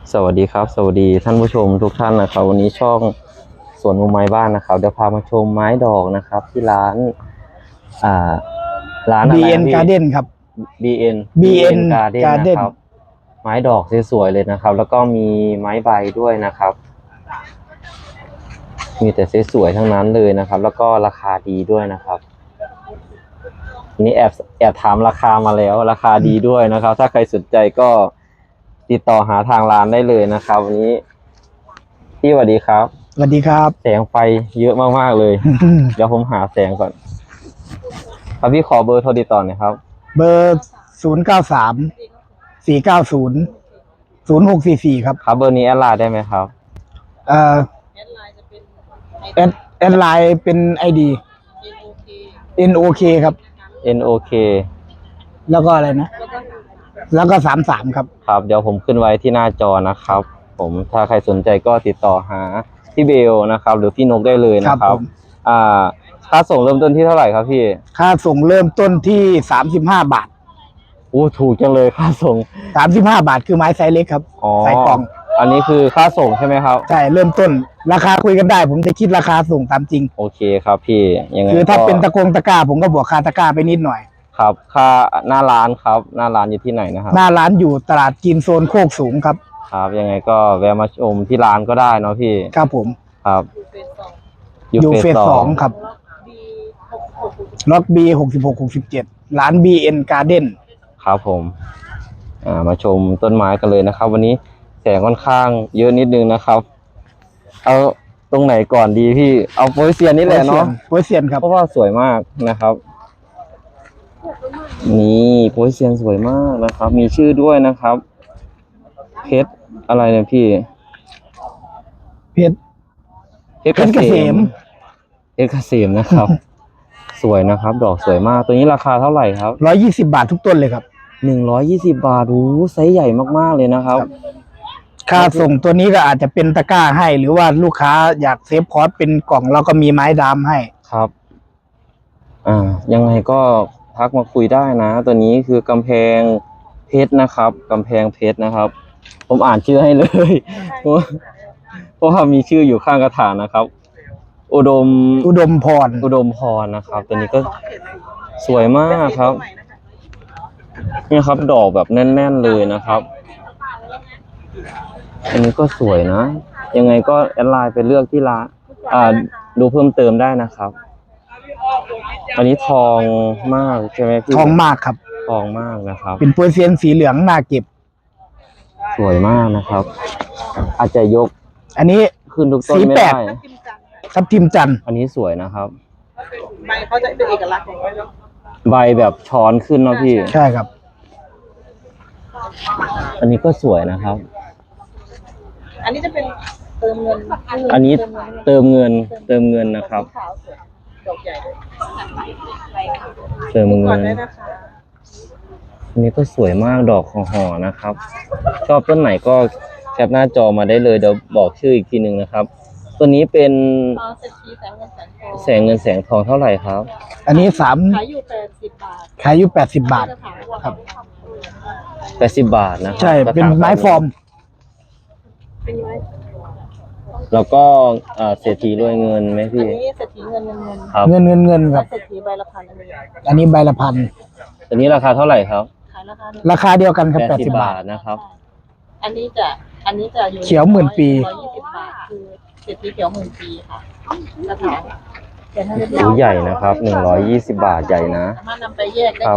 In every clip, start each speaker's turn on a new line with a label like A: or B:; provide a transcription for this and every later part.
A: สวัสดีครับสวัสดีท่านผู้ชมทุกท่านนะครับวันนี้ช่องสวนมุมไม้บ้านนะครับเดี๋ยวพามาชมไม้ดอกนะครับที่ร้านอ่าร้านอะไรนะ
B: BN
A: พี่
B: Garden ครับ
A: BN Garden นะ
B: Garden
A: ครับไม้ดอกสวยๆเลยนะครับแล้วก็มีไม้ใบด้วยนะครับมีแต่สวยๆทั้งนั้นเลยนะครับแล้วก็ราคาดีด้วยนะครับนี่แอบถามราคามาแล้วราคาดีด้วยนะครับถ้าใครสนใจก็ติดต่อหาทางร้านได้เลยนะครับวันนี้พี่สวัสดีครับ
B: สวัสดีครับ
A: แสงไฟเยอะมากๆเลย เดี๋ยวผมหาแสงก่อนครับพี่ขอเบอร์โทรติดต่อหน่อยครับ
B: เบอร์093 490 0644ครับ
A: ครับเบอร์นี้แอดไลน์ได้ไหมครับ
B: เอ่อแอดไลน์เป็น ID NOK ครับ
A: NOK
B: แล้วก็อะไรนะ แล้วก็33ครับ
A: ครับเดี๋ยวผมขึ้นไว้ที่หน้าจอนะครับผมถ้าใครสนใจก็ติดต่อหาพี่เบลนะครับหรือพี่นกได้เลยนะครับค่าส่งเริ่มต้นที่เท่าไหร่ครับพี่
B: ค่าส่งเริ่มต้นที่35 บาท
A: ถูกจังเลยค่าส่ง
B: 35 บาทคือไม้ไซส์เล็กครับไซส์กล่อง
A: อันนี้คือค่าส่งใช่ไหมครับ
B: ใช่เริ่มต้นราคาคุยกันได้ผมจะคิดราคาส่งตามจริง
A: โอเคครับพี่ยังไง
B: คือถ้าเป็นตะกร้าผมก็บวกค่าตะกร้าไปนิดหน่อย
A: ครับค่าหน้าร้านครับหน้าร้านอยู่ที่ไหนนะครับ
B: หน้าร้านอยู่ตลาดจีนโซนโคกสูงครับ
A: ครับยังไงก็แวะมาชมที่ร้านก็ได้เนาะพี่
B: ครับผม
A: ครับ
B: อยู่เฟส 2ครับล็อก B66-67ร้าน BN Garden
A: ครับผมมาชมต้นไม้กันเลยนะครับวันนี้แสงค่อนข้างเยอะนิดนึงนะครับเอาตรงไหนก่อนดีพี่เอาโปรเซียนนี่แหละเนาะ
B: โปรเซียนครับ
A: เพราะว่าสวยมากนะครับนี่โปรเซียนสวยมากนะครับมีชื่อด้วยนะครับเพชรอะไรเนี่ยพี่
B: เพชรเกษม
A: เพชรเกษมนะครับสวยนะครับดอกสวยมากตัวนี้ราคาเท่าไหร่ครับ
B: 120 บาททุกต้นเลยครับ
A: 120 บาทไซส์ใหญ่มากๆเลยนะครับ
B: ค่าส่งตัวนี้ก็อาจจะเป็นตะกร้าให้หรือว่าลูกค้าอยากเซฟคอสเป็นกล่องเราก็มีไม้ดามให้
A: ครับยังไงก็ทักมาคุยได้นะตัวนี้คือกำแพงเพชรนะครับกำแพงเพชรนะครับผมอ่านชื่อให้เลยเพราะว่ามีชื่ออยู่ข้างกระถางนะครับอุดมพรนะครับตัวนี้ก็สวยมากครับนี่ครับดอกแบบแน่นๆเลยนะครับอันนี้ก็สวยนะยังไงก็แอดไลน์ไปเลือกที่ร้านดูเพิ่มเติมได้นะครับอันนี้ทองมากใช่ไหมพี่
B: ทองมากครับ
A: ทองมากนะครับ
B: เป็นโปรเซียนสีเหลืองน่าเก็บ
A: สวยมากนะครับอาจจะยก
B: อันนี้
A: ขึ้นทุกต้นไม่ได้
B: ทับทิมจัน
A: อันนี้สวยนะครับ
C: ใบเขาจะเป็นเอกลักษณ์ของเขา
A: ใบแบบช้อนขึ้นเนาะพี่
B: ใช่ครับ
A: อันนี้ก็สวยนะครับ
C: อันนี้จะเป็นเติมเงิน
A: อันนี้เติมเงินนะครับ
C: ดอกใหญ่
A: เติมเงิน
C: นะคะ
A: อันนี้ก็สวยมากดอกของห่อนะครับชอบต้นไหนก็แคปหน้าจอมาได้เลยเดี๋ยวบอกชื่ออีกทีหนึ่งนะครับตัวนี้เป็น
C: เศรษฐีแสงเงิน
A: แสงทองเท่าไหร่ครับ
B: อันนี้
C: ขายอยู่80 บาท
B: ขายอยู่80 บาทครับ
A: 80 บาทนะ
B: ใช่เป็นไม้ฟอร์ม
A: แล้วก็เศรษฐีรวยเงินไหมพี่
C: อันนี้เศรษฐีเงิน
A: ครับ
B: เงินครับ
C: เศรษฐีใบละพัน
B: อันนี้ใบละพัน
A: ตัวนี้ราคาเท่าไหร่ครับ
C: ขาย
B: ราคาเดียวกันครับ80 บาท
A: นะครับ
C: อันนี้จะอยู่
B: เขียวหมื่นปี
C: 120 บาทคือเศรษฐีเขียวหมื่นปีค่ะกระถาง
A: ใหญ่นะครับ120 บาทใหญ่นะ
C: สามารถนำไปแยกได้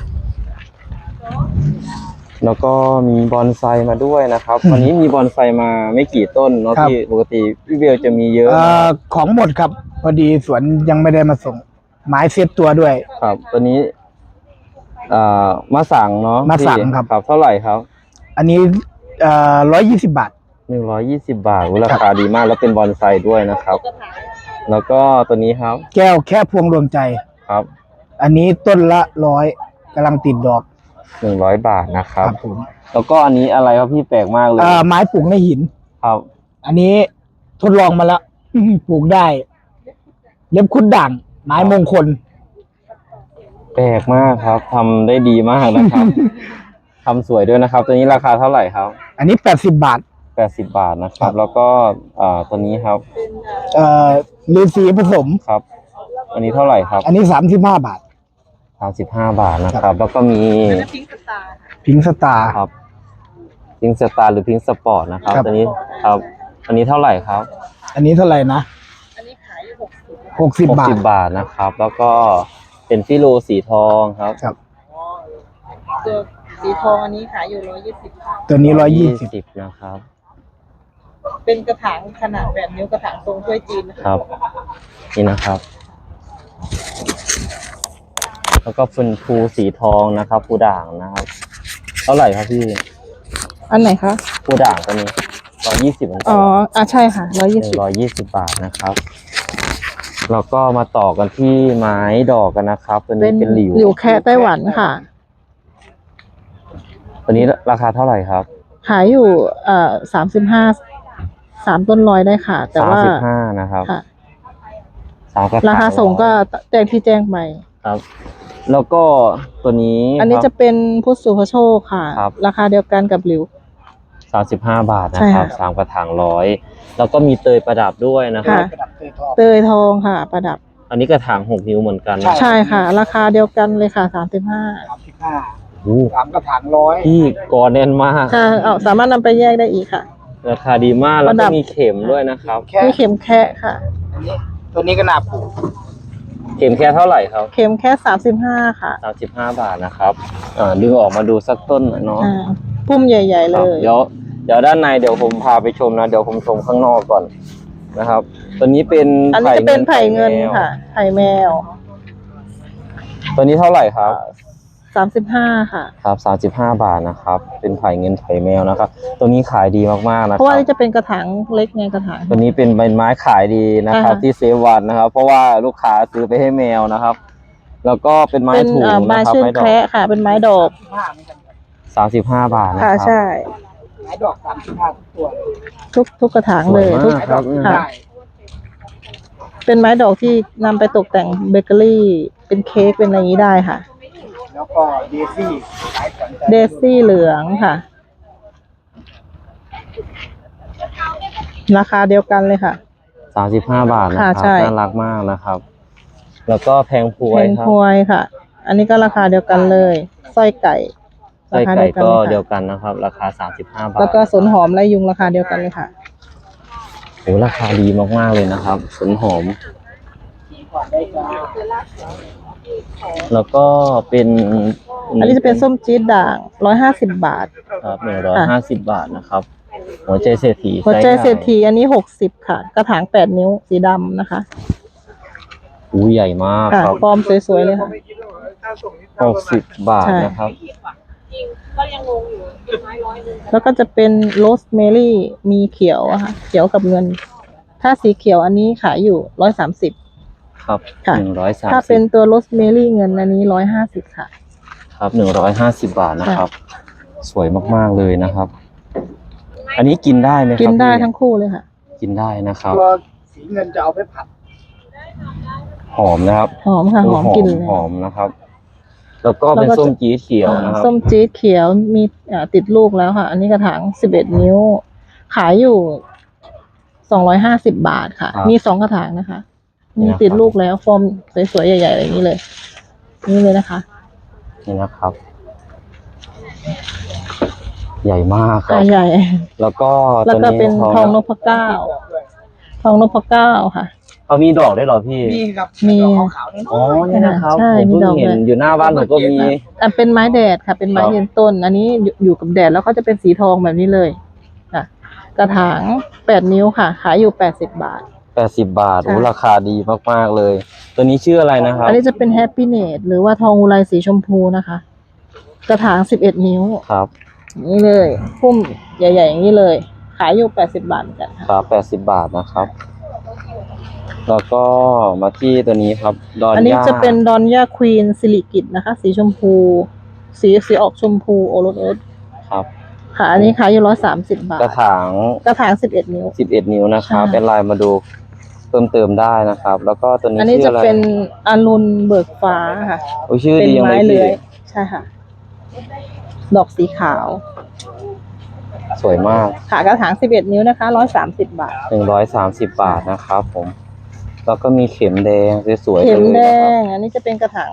A: แล้วก็มีบอนไซมาด้วยนะครับวันนี้มีบอนไซมาไม่กี่ต้นเนาะพี่ปกติพี่เบลจะมีเยอะ
B: ของหมดครับพอดีสวนยังไม่ได้มาส่งไม้เซตตัวด้วย
A: ครับตัวนี้มาสั่งเนาะ
B: มาสั่งครับ
A: เท่าไหร่ครับ
B: อันนี้120 บาท
A: 120 บาทราคาดีมากแล้วเป็นบอนไซด้วยนะครับแล้วก็ตัวนี้ครับ
B: แก้วแค่พวงรวมใจ
A: ครับ
B: อันนี้ต้นละ100กำลังติดดอก
A: 100 บาทนะครับแล้วก็อันนี้อะไรครับพี่แปลกมากเลย
B: ไม้ปลูกในหิน
A: ครับ
B: อันนี้ทดลองมาแล้วปลูกได้เล็บคุดด่างไม้มงคล
A: แปลกมากครับทำได้ดีมากนะครับทำสวยด้วยนะครับตัวนี้ราคาเท่าไหร่ครับ
B: อันนี้80 บาท
A: 80 บาทนะครับ แล้วก็ตัวนี้ครับ
B: ฤาษีผสม
A: ครับ อันนี้เท่าไหร่ครับ
B: อันนี้35 บาท
A: 35 บาทนะครับ แล้วก็มี
C: แล้วพิงค์สตาร์ค่ะ
B: พิงค์สตาร์
A: ครับพิงสตาร์หรือพิงสปอร์ตนะครับ
B: ครับ
A: ตัวนี้ครับ อันนี้เท่าไหร่ครับ
B: อันนี้เท่าไหร่นะ
C: อันนี้ขายอยู่60
B: 60 บาท
A: 60 บาทนะครับ แล้วก็เป็นฟิโลสีทองครับ
B: ครับ
C: ตัวสีทองอันนี้ขายอยู่120ค่ะ
B: ตัวนี้120
A: นะครับ
C: เป็นกระถางขนาดแบบนิ้วกระถางทรงถ้วยจีนนะ
A: ค
C: คะ
A: รับ นี่นะครับ แล้วก็เป็นภูสีทองนะครับภูด่างนะครับ เท่าไหร่ครับพี่
C: อันไหนคะ
A: ภูด่างตัวนี้120เหมือนกั
C: อ๋อใช่ค่ะ120
A: 120 บาทนะครับ แล้วก็มาต่อกันที่ไม้ดอกกันนะครับ ตัวนี้เป็นหลิว
C: หลิวแคะไต้หวันค่ะ
A: ตัวนี้ราคาเท่าไหร่ครับ
C: ขายอยู่35 3 ต้นร้อยได้ค่ะ แต่ว่า
A: 35นะครับ
C: ค่ะ
A: 3กระถาง
C: ราคาส่งก็แจ้งที่แจ้งไป
A: ครับ แล้วก็ตัวนี้
C: อันนี้
A: ครับ
C: จะเป็นพุทธสุภโชคค่ะ
A: ครับ
C: ราคาเดียวกันกับหลิว
A: 35 บาทนะ
C: ใช่
A: ครับ
C: ค่ะ
A: 3กระถาง100แล้วก็มีเตยประดับด้วยนะครับ
C: ค่ะ เตยทองค่ะ ประดับ
A: อันนี้กระถาง 6 นิ้วเหมือนกันนะ
C: ใช่ค่ะ ราคาเดียวกันเลยค่ะ 35
B: 35
A: โอ้
B: 3 กระถาง
A: พี่กอแน่นมาก
C: ค่ะสามารถนำไปแยกได้อีกค่ะ
A: ราคาดีมากแล้ว
C: ประดั
A: ก็
C: บ
A: มีเข็มด้วยนะครับ
B: 100แค่
C: มีเข็มแคะค่ะ
B: ตัวนี้ก็น่าปลูก
A: เข็มแค่เท่าไหร่ครับ
C: เข็มแค่35ค่ะ
A: 35 บาทนะครับดึงออกมาดูสักต้นหน่อยเนาะ
C: พุ่มใหญ่ ๆ
A: ค
C: เล
A: รับ
C: ย
A: เดี๋ยวด้านในเดี๋ยวผมพาไปชมนะ เดี๋ยวผมชมข้างนอกก่อนนะครับ ตัวนี้เป็น
C: อันนี้จะเป็นไผ่เงินค่ะ ไผ่แมว
A: ตัวนี้เท่าไหร่ครับ
C: 35ค่ะ
A: ครับ35 บาทนะครับ เป็นไผ่เงินไผ่แมวนะครับ ตัวนี้ขายดีมากๆนะ
C: เพ
A: ค
C: ราะ
A: รั
C: ว่า
A: บ
C: นี่จะเป็นกระถางเล็กไงกระถาง
A: ตัวนี้เป็นใบไม้ขายดีนะครับ ที่เซฟวันนะครับ เพราะว่าลูกค้าซื้อไปให้แมวนะครับ แล้วก็เป็นไม้
C: เป็น
A: ถูก
C: ไม้
A: นะครับ
C: เชิง
A: ไม้ดอ
C: แคระ
A: ก
C: ค่ะ เป็นไม้ดอก
A: 35 บาทนะค
C: ค่ะ
A: รับ
C: ใช่
B: ไม้ดอก35ตัว
C: ทุกกระถาง
A: สว
C: เลย ย
A: มาก
C: ทุก
A: ครับ
C: ค่ะ เป็นไม้ดอกที่นำไปตกแต่งเบเกอรี่ เป็นเค้กเป็นอะไรอย่างนี้ได้ค่ะ
B: แล้วก็เดซี่ขายสนใจ
C: เดซี่เหลืองค่ะ ราคาเดียวกันเลยค่ะ
A: 35 บาทนะค
C: ค่ะ
A: รับ
C: ใช่
A: น่ารักมากนะครับ แล้วก็แพงพว
C: เพ
A: ย
C: น
A: ครั
C: พ
A: บ
C: วยค่ะ อันนี้ก็ราคาเดียวกันเลยสร้อยไก่
A: ไส้
C: ราคา
A: ไก่
C: เดียวกัน
A: ก็
C: เลย
A: เดียว
C: ค่ะ
A: กันนะครับ ราคา 35 บาท
C: แล้วก็สนหอมไรยุงราคาเดียวกันเลยค่ะ
A: โอ้ราคาดีมากๆเลยนะครับสนหอม แล้วก็เป็น
C: อันนี้จะเป็นส้มจี๊ดด่าง150 บาท
A: ครับ150 บาทนะครับ หัวใจเศรษฐี
C: หัวใจ
A: ไส้ไก่
C: เศรษฐีอันนี้60ค่ะ กระถาง8 นิ้วสีดำนะคะ
A: อู้ใหญ่มาก
C: ค่ะ
A: ครับ
C: ฟอร์มสวยๆเลยค่ะ
A: 60 บาท
C: ใช่
A: นะครับ
C: แล้วก็จะเป็นโรสเมลี่มีเขียวอะค่ะ เขียวกับเงิน ถ้าสีเขียวอันนี้ขายอยู่130
A: ครับ
C: ค่ะ
A: 130
C: ถ้าเป็นตัวโรสเมลี่เงินอันนี้150ค่ะ
A: ครับ150 บาทนะครับ สวยมากๆเลยนะครับ อันนี้กินได้ไหมครับ
C: กินได้
A: พี่
C: ทั้งคู่เลยค่ะ
A: กินได้นะครับ
B: ตัวสีเงินจะเอาไปผัด
A: หอมนะครับ
C: หอมค่ะ หอมกลิ่นเลย
A: หอมนะครับ แล้วก็เป็น
C: แล้วก็
A: ส้มจี๊ดเขียวนะครับ
C: ส้มจี๊ดเขียวมีติดลูกแล้วค่ะ อันนี้กระถาง11 นิ้ว ขายอยู่250 บาทค่ะ
A: ครับ
C: มี2 กระถางนะคะ
A: นี่
C: มี
A: นะครับ
C: ติดลูกแล้วฟอร์มสวยๆใหญ่ๆอย่างนี้เลย นี่เลยนะคะ
A: นี่นะครับ ใหญ่มากครับ
C: ใหญ่
A: แล้วก็
C: แล้วก็
A: ตัว
C: เป็นทองน
A: ก
C: พเกล้าทองนพเกล้าค่ะ
A: เขามีดอกได้วยเหรอพี่
B: นี่ครับ
C: มี
B: ดอกขาวๆนี่
A: อ๋อนี่นะครับ
C: ใช่
A: ผม
C: มี
A: เพิ่
C: ดอง ก
A: เห็น
C: ด้วย
A: อยู่หน้าบ้านผมก็มี
C: อันเป็นไม้แดดค่ะ เป็นไม้
A: ครับ
C: ยืนต้น อันนี้อยู่กับแดดแล้วก็จะเป็นสีทองแบบนี้เลยค่ะ กระถาง8 นิ้วค่ะ ขายอยู่80 บาท
A: 80 บาท
C: ใช่
A: โอ้ราคาดีมากๆเลย ตัวนี้ชื่ออะไรนะครับ
C: อันนี้จะเป็นแฮปปี้เนตหรือว่าทองอุไรสีชมพูนะคะ กระถาง11 นิ้ว
A: ครับ
C: อย่างนี้เลย พุ่มใหญ่ ๆ อย่างนี้เลย ขายอยู่80 บาทเหมือนกันค่ะ
A: ครับ80 บาทนะครับ แล้วก็มาที่ตัวนี้ครับ ดอน
C: อันนี้
A: ย่า
C: จะเป็นดอนย่าควีนซิลิกิตนะคะ สีชมพู สีออกชมพูโอรสโอ๊ต
A: ครับ
C: ค่ะ อันนี้ขายอยู่130 บาท
A: กระถาง
C: กระถาง11 นิ้ว
A: 11 นิ้วนะครับ
C: ใช่
A: เป็นลายมาดูเพิ่มเติมได้นะครับ แล้วก็ตัวนี้
C: อันนี้
A: ชื่อ
C: จะ
A: อะไร
C: เป็นอรุณเบิกฟ้าค่ะ
A: โอ้ชื่อ
C: เป็น
A: ดียัง
C: ไม้
A: เลย
C: เลื้
A: พี่
C: อยใช่ค่ะ ดอกสีขาว
A: สวยมาก
C: ค่ะกระถาง11 นิ้วนะคะ130 บาท
A: 130 บาทนะครับผมแล้วก็มีเข็มแดงสวยๆ
C: เข็ม
A: เลย
C: แด
A: นะครับ
C: งอันนี้จะเป็นกระถาง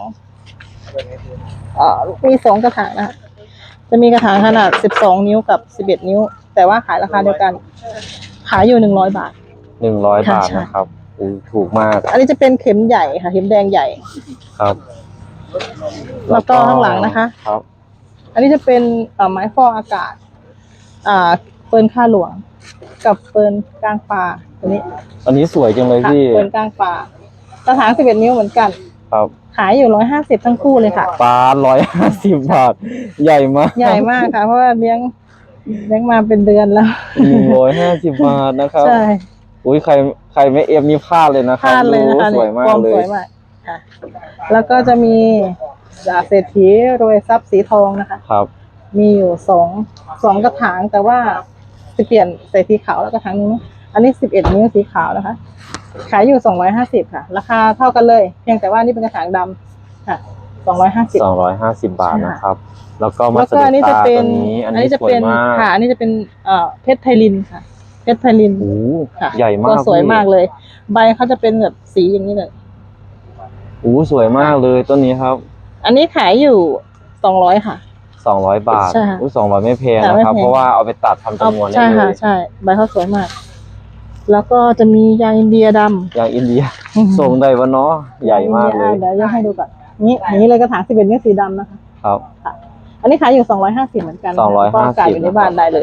C: มี2 กระถางนะคะจะมีกระถางขนาด12 นิ้วกับ11 นิ้ว แต่ว่าขายราคาเดียวกัน ขายอยู่100 บาท
A: 100 บาท
C: ใช่
A: นะครับถูกมาก
C: อันนี้จะเป็นเข็มใหญ่ค่ะเข็มแดงใหญ่
A: ครับ
C: แล้วก็ข้างหลังนะคะ
A: ครับ
C: อันนี้จะเป็นไม้ฟอกอากาศเฟิร์นข้าหลวง กับเฟิร์นกลางป่าตัวนี้
A: อันนี้สวยจังเลย
C: ค่ะ
A: พี่
C: เฟิร์นกลางป่ากระถาง11 นิ้วเหมือนกัน
A: ครับ
C: ขายอยู่150ทั้งคู่เลยค่ะ
A: ปลา150 บาท ใหญ่มาก
C: ใหญ่มากค่ะ เพราะว่าเลี้ยงมาเป็นเดือนแล้ว
A: 150 บาทนะครับ
C: ใช่
A: อุ้ยใครไม่เอฟนี่พลาดเลยนะค
C: พ
A: รับ
C: ลาดเลยนะคะ
A: สวยมาก
C: ฟอร์ม
A: เล
C: สวย ยมากค่ะ แล้วก็จะมีเศรษฐีโรยทรัพย์สีทองนะคะ
A: ครับ
C: มีอยู่สองกระถางแต่ว่าจะเปลี่ยนใส่สีขาวแล้วกระถางนี้อันนี้11 นิ้วสีขาวนะคะ ขายอยู่250ค่ะ ราคาเท่ากันเลย เพียงแต่ว่านี่เป็นกระถางดำค่ะ250
A: บาทนะครับ แล้วก็มา
C: แล้ว
A: ส
C: ก็
A: เต
C: อันนี้
A: ตา
C: จะ
A: ตั
C: เป็
A: วน นี้อันนี้
C: จะ
A: สวย
C: เป็น
A: มาก
C: ค่ะอันนี้จะเป็นเพชรไพลินค่ะเพชรไพลิน
A: โอ้โห
C: ค่ะ
A: ใหญ่มาก
C: ตัวสวย
A: พี่
C: มากเลย ใบเขาจะเป็นแบบสีอย่างนี้เลย
A: โอ้โหสวยมากเลยต้นนี้ครับ
C: อันนี้ขายอยู่200ค่ะ
A: 200 บาท
C: ใช่ค่ะ
A: อุ้ย200ไม่แพง
C: ค่ะ
A: นะครับ
C: ไม่แพง
A: เพราะว่าเอาไปตัดทำจำนวนได้
C: ใช่
A: เล
C: ค่ะ
A: ย
C: ใช่ใบเขาสวยมาก แล้วก็จะมียางอินเดียดำ
A: อย่างอินเดียส่งได้วะเนาะใหญ่มากเลย
C: เดี๋ยวยกให้ดูก่อนนี่เลยกระถาง11 นิ้วสีดำนะคะ
A: ครับ
C: ค่ะ อันนี้ขายอยู่250เหมือนกันนะคะ
A: 250
C: ก็กายอยู่ในบ้านได้เลย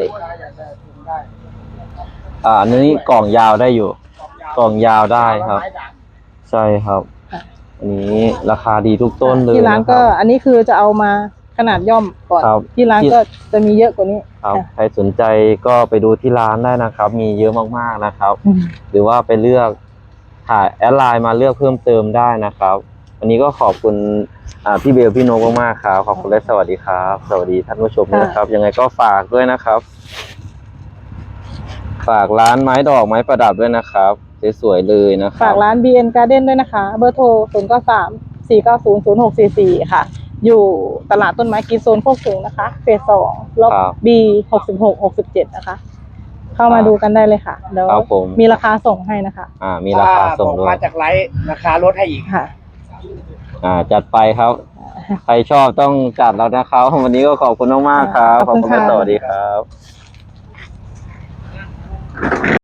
A: อันนี้กล่องยาวได้อยู่ กล่องยาวได้ครับ ใช่ครับ
C: ค่ะ
A: อันนี้ราคาดีทุกต้นเลย
C: ที่ร้านก็
A: ะคบ
C: อันนี้คือจะเอามาขนาดย่อมก่อน
A: ครับ
C: ที่ร้านก็จะมีเยอะกว่านี้
A: ครับ
C: ค่ะ
A: ใครสนใจก็ไปดูที่ร้านได้นะครับ มีเยอะมากๆนะครับ
C: อืม
A: หรือว่าไปเลือกถ่ายแอดไลน์มาเลือกเพิ่มเติมได้นะครับวันนี้ก็ขอบคุณพี่เบลพี่โนกมากๆครับขอบคุณและสวัสดีครับ สวัสดีท่านผู้ชมด้วยนะครับ ยังไงก็ฝากด้วยนะครับ ฝากร้านไม้ดอกไม้ประดับด้วยนะครับสวยๆเลยนะครั
C: ฝา
A: บ
C: กร้าน BN Garden ด้วยนะคะ เบอร์โทร093-490-0644 ค่ะ อยู่ตลาดต้นไม้กินโซนโคกสูงนะคะ เฟส2ล็อก
A: ครับ
C: B 66-67 นะคะ เข้ามาดูกันได้เลยค่ะเดี๋ยว
A: ครับผม
C: มีราคาส่งให้นะคะ
A: มีราคาส่ง
B: บอก
A: ด้วย
B: มาจากไลฟ์ราคาลดให้อีก
C: ค่ะ
A: จัดไปครับ ใครชอบต้องจัดแล้วนะครับ วันนี้ก็ขอบคุณมากๆครับ
C: ขอบคุณ
A: และ
C: ค่ะ
A: สวัสดีครับ